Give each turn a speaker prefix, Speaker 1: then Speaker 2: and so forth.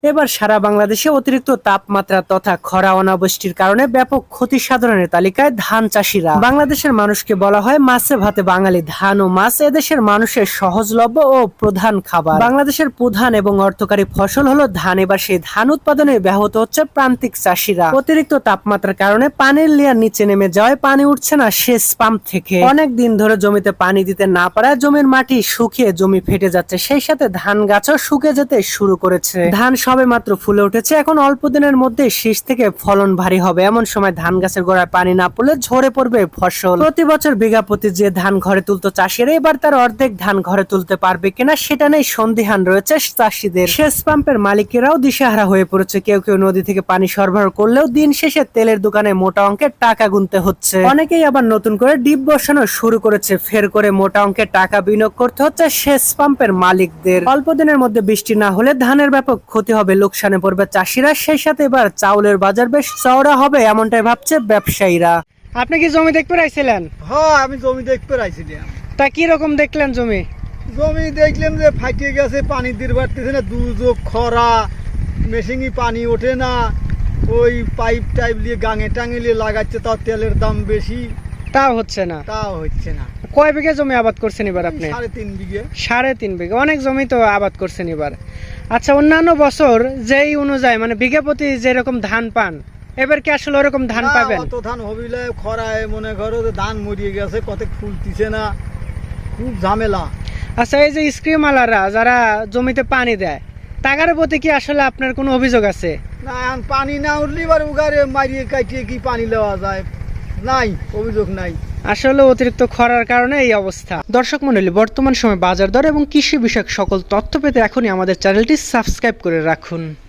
Speaker 1: এবার সারা বাংলাদেশে অতিরিক্ত তাপমাত্রা তথা খরা অনাবৃষ্টির কারণে ব্যাপক ক্ষতি সাধনের তালিকায় ধান চাষিরা। বাংলাদেশের মানুষকে বলা হয় মাছে ভাতে বাঙালি। ধান ও মাছ এদেশের মানুষের সহজলভ্য ও প্রধান খাবার। বাংলাদেশের প্রধান এবং অর্থকারী ফসল হলো ধান। এবার সেই ধান উৎপাদনে ব্যাহত হচ্ছে প্রান্তিক চাষিরা। অতিরিক্ত তাপমাত্রার কারণে পানির লেয়ার নিচে নেমে যাওয়ায় পানি উঠছে না সেচ পাম্প থেকে। অনেক দিন ধরে জমিতে পানি দিতে না পারায় জমির মাটি শুকিয়ে জমি ফেটে যাচ্ছে। সেই সাথে ধান গাছও শুকিয়ে যেতে শুরু করেছে। ধান সবে মাত্র ফুলে উঠেছে, এখন অল্প দিনের মধ্যে শীষ থেকে ফলন ভারী হবে। এমন সময় ধান গাছের গোড়ায় পানি না পড়লে ঝরে পড়বে ফসল। প্রতি বছর বিঘা প্রতি যে ধান ঘরে তুলতো চাষিরা, এবার তার অর্ধেক ধান ঘরে তুলতে পারবে কিনা সেটা নেই সন্দিহান রয়েছে চাষিদের। সেচ পাম্পের মালিকেরাও দিশেহারা হয়ে পড়েছে। কেউ কেউ নদী থেকে পানি সরবরাহ করলেও দিন শেষে তেলের দোকানে মোটা অঙ্কের টাকা গুনতে হচ্ছে। অনেকেই আবার নতুন করে ডিপ বসানো শুরু করেছে। ফের করে মোটা অঙ্কের টাকা বিনিয়োগ করতে হচ্ছে সেচ পাম্পের মালিকদের। অল্প দিনের মধ্যে বৃষ্টি না হলে ধানের ব্যাপক ক্ষতি হবে, লোকসানে পড়বে চাষিরা। সেই সাথে এবার চাউলের বাজার বেশ চওড়া হবে এমনটাই ভাবছে ব্যবসায়ীরা। আপনি কি জমি দেখতে আইছিলেন?
Speaker 2: হ্যাঁ, আমি জমি দেখতে আইছিলাম।
Speaker 1: তা কি রকম দেখলেন জমি?
Speaker 2: জমি দেখলাম যে ফাটিয়ে গেছে, পানি দিয়ে পারতেছে না, দুর্যোগ, খরা, মেশিনই পানি ওঠে না, ওই পাইপ টাইপ দিয়ে গাঙে টাঙে নিয়ে লাগাচ্ছে, তাও তেলের দাম বেশি,
Speaker 1: তাও হচ্ছে না। কয় বিঘা জমি আবাদ করছেন এবার আপনি?
Speaker 2: 3.5 বিঘা।
Speaker 1: 3.5 বিঘা, অনেক জমি তো আবাদ করছেন এবার। আচ্ছা, অন্যান্য বছর যেই অনুযায়ী মানে বিঘা প্রতি যেরকম ধান পান, এবার কি আসলে ওরকম ধান পাবেন?
Speaker 2: অত ধান হবিলে খরায় মনে করো ধান মরিয়ে গেছে, কত ফুলতিছে না, খুব ঝামেলা।
Speaker 1: আচ্ছা, এই যে স্ক্রিমালাররা যারা জমিতে পানি দেয়, তাগার প্রতি কি আসলে আপনার কোনো অভিযোগ আছে?
Speaker 2: না, পানি না উঠলে এবার উগারে মারিয়ে কাটিয়ে কি পানি দেওয়া যায়? নাই, অভিযোগ নাই।
Speaker 1: আসলে অতিরিক্ত খরার কারণে এই অবস্থা। দর্শক মণ্ডলী, বর্তমান সময়ে বাজার দর এবং কৃষি বিষয়ক সকল তথ্য পেতে এখনই আমাদের চ্যানেলটি সাবস্ক্রাইব করে রাখুন।